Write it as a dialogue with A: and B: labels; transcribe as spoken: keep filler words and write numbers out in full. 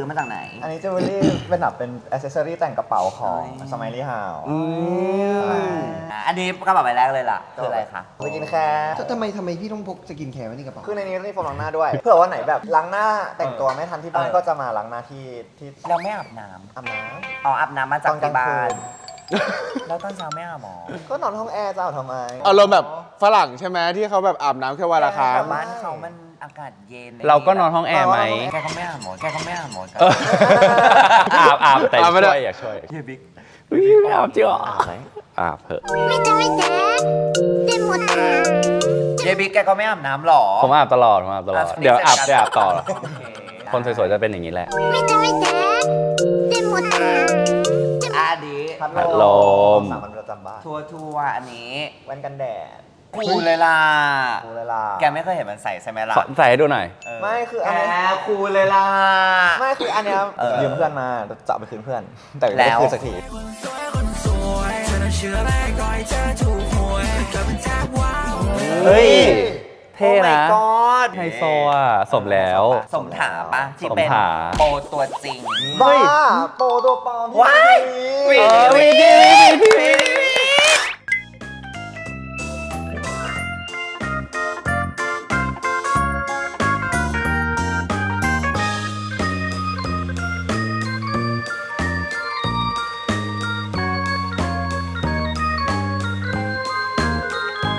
A: อมาจากไหน
B: อันนี้จิวเวลรี่เป็นแบบเป็นอ c เซสซอรี่แต่งกระเป๋าของสมัยรีฮาว
A: อันนี้กระเป๋าใบแรกเลยล่ะคืออะไรคะ
B: สกินแคร์
C: ทำไมทำไมพี่ต้องพกสกินแคร์ไว้ในกระเป๋า
B: คือในนี้มีโฟมล้างหน้าด้วย เผื่อว่าไหนแบบล้างหน้าแต่งตัวไม่ทันที่บ้านก็จะมาล้างหน้าที่ที่
A: เราไม่อาบน้
B: อาบน้
A: ำอ๋ออาบน้ำมา
B: ำ
A: จาก
B: ตอนกลา
A: ที่
B: ง
A: บ้า
B: คื
A: น
B: น
A: แล้วตอนเช้าไม่อาบหมอ
B: ก็นอนห้องแอร์จะเอาทำไม
D: อารมณ์แบบฝรั่งใช่ไหมที่เขาแบบอาบน้ำแค่วันละครั้ง
A: แต่บ้านเขามันอากาศเย็น
E: เราก็นอนห้องแอร์ไหม
A: แกก็ไม่อาบหมอแกก็ไม่อาบหมอ
E: เอออาบอาบแต่
D: อาบไม่ได้
E: ช่วยอยากช่วย
A: เฮียบิ๊ก
E: อุ๊ยไม่อาบจริงเหรออาบเถอะ
F: 見て見てでもだ
A: เฮียบิ๊กแกก็ไม่อาบน้ำหรอ
E: ผมอาบตลอดผมอาบตลอด
A: อ่ะ
E: เดี๋ยวอาบเดี๋ยวอาบต่อ
A: โอเค
E: คนสวยๆจะเป็นอย่างนี้แหละ
F: 見て見てでもだ
A: อะอันนี้
B: พัด
E: พัด
B: ล
E: ล
B: ม
E: ม
B: สามัญประจำบ้าน
A: ทัวร์ทัวร์อันนี้
B: แว่นกันแดด
A: คูลเลยล่ะ
B: ดูเวลา
A: แกไม่เคยเห็นมันใส่ใช่ไหมล่ะ
E: ขอใส่ให้ดูหน่อย
A: เออ
B: ไม่คือ
A: แก
B: อันนี้
A: คูลเลยล่ะ
B: ไม่คืออันเนี้ย
A: เออ
B: ยืมเพื่อนมาจะเอาไปคืนเพื่อน แต่ไม่
A: แล้
B: ได้
A: ว
B: คืนสักที
E: เฮ้ย เท่
A: โอ้ my
E: นะ
A: god
E: ไฮโซอ่ะ สมแล้ว
A: สมถาปะที่
E: สม
A: เป็น
E: ถา
A: โปรตัวจริง
B: บ้าโปรตัวปลอม
A: ว้าย
B: พี่
E: เออ